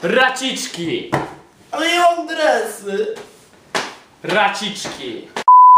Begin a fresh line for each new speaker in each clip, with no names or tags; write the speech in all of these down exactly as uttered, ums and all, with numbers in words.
Raciczki!
Ale ja mam dresy.
Raciczki!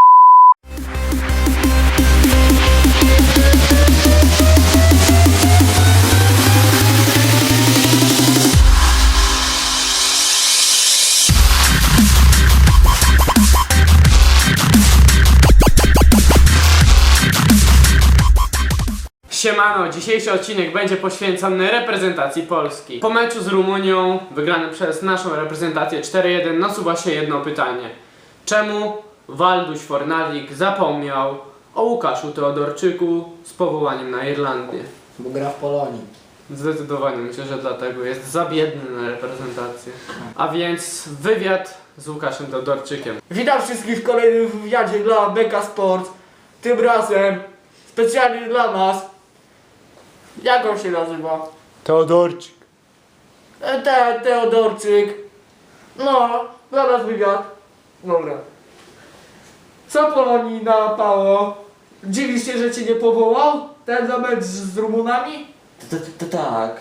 Siemano, dzisiejszy odcinek będzie poświęcony reprezentacji Polski. Po meczu z Rumunią, wygranym przez naszą reprezentację cztery jeden, nasuwa się jedno pytanie. Czemu Walduś Fornalik zapomniał o Łukaszu Teodorczyku z powołaniem na Irlandię?
Bo gra w Polonii.
Zdecydowanie myślę, że dlatego jest za biedny na reprezentację. A więc wywiad z Łukaszem Teodorczykiem.
Witam wszystkich w kolejnym wywiadzie dla Beka Sport. Tym razem specjalnie dla nas. Jak on się nazywa?
Teodorczyk.
E, Te, Teodorczyk. No, dla nas wywiad. Dobra. Co Polonii napało? Dziwisz się, że cię nie powołał? Ten za mecz z Rumunami?
To, to, to tak.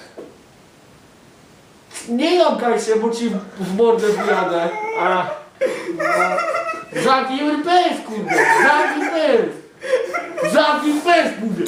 Nie jąkaj się, bo ci w mordę wyjadę.
A,
Zamknij pęs, kurde! Zamknij pęs! Zamknij pęs, mówię!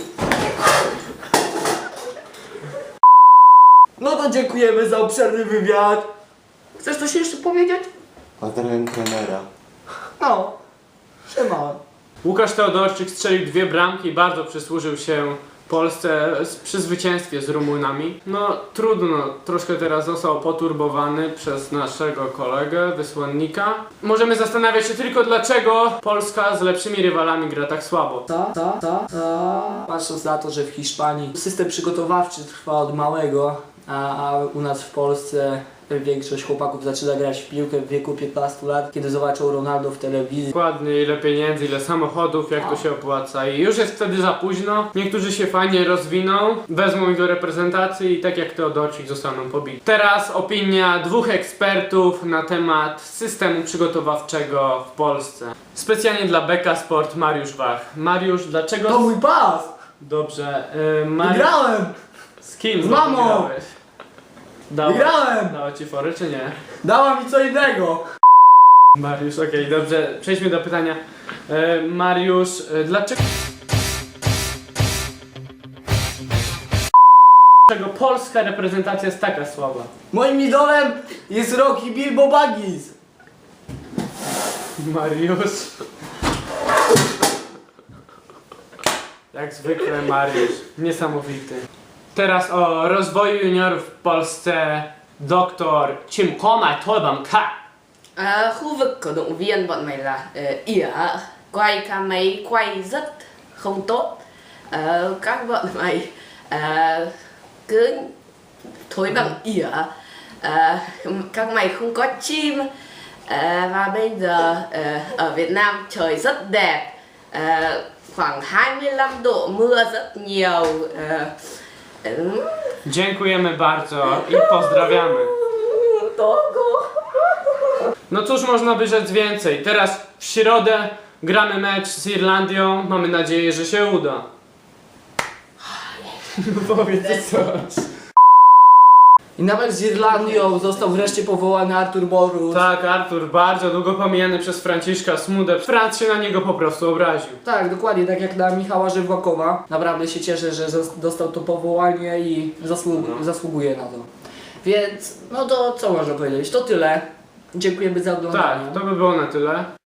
No to dziękujemy za obszerny wywiad. Chcesz coś jeszcze powiedzieć?
Pozdrawiam trenera.
No. Siema.
Łukasz Teodorczyk strzelił dwie bramki i bardzo przysłużył się Polsce przy zwycięstwie z Rumunami. No trudno, troszkę teraz został poturbowany przez naszego kolegę, wysłannika. Możemy zastanawiać się tylko, dlaczego Polska z lepszymi rywalami gra tak słabo.
Co? Co? Co? Co? Patrząc na to, że w Hiszpanii system przygotowawczy trwa od małego, a, a u nas w Polsce większość chłopaków zaczyna grać w piłkę w wieku piętnastu lat, kiedy zobaczą Ronaldo w telewizji.
Dokładnie, ile pieniędzy, ile samochodów, jak to się opłaca i już jest wtedy za późno. Niektórzy się fajnie rozwiną, wezmą ich do reprezentacji i tak jak Teodorczyk zostaną pobici. Teraz opinia dwóch ekspertów na temat systemu przygotowawczego w Polsce. Specjalnie dla Beka Sport Mariusz Wach. Mariusz, dlaczego...
To mój pas!
Dobrze, yy, Mariusz...
Wygrałem!
Z kim
Z mamą!
wygrałeś? Dała,
Wygrałem!
dała ci fory czy nie?
Dała mi co innego!
Mariusz, okej, dobrze, przejdźmy do pytania. E, Mariusz, e, dlaczego... Dlaczego polska reprezentacja jest taka słaba?
Moim idolem jest Rocky Bilbo Baggins.
Mariusz... Jak zwykle Mariusz, niesamowity. Teraz o rozwoju juniorów w Polsce doktor Chimkoma Tobamka.
À, khu vực cổ động viên bọn mày là uh, ỉa, quay ca máy quay rất không tốt. Ờ, các bọn mày uh, cứ thối bằng ỉa, uh, các mày không có chim. Uh, và bây giờ uh, ở Việt Nam trời rất đẹp, uh, khoảng hai mươi lăm độ, mưa rất nhiều. Uh, um,
Dziękujemy bardzo i pozdrawiamy.
to go.
No cóż można by rzec więcej. Teraz w środę gramy mecz z Irlandią. Mamy nadzieję, że się uda. Powiedz coś.
I nawet z Irlandią został wreszcie powołany Artur Boruc.
Tak, Artur, bardzo długo pomijany przez Franciszka Smudę. Franc się na niego po prostu obraził.
Tak, dokładnie, tak jak na Michała Żywłakowa. Naprawdę się cieszę, że zos- dostał to powołanie i zasłu-
No.
zasługuje na to. Więc, no to co można powiedzieć? To tyle. Dziękujemy za oglądanie.
Tak, to by było na tyle.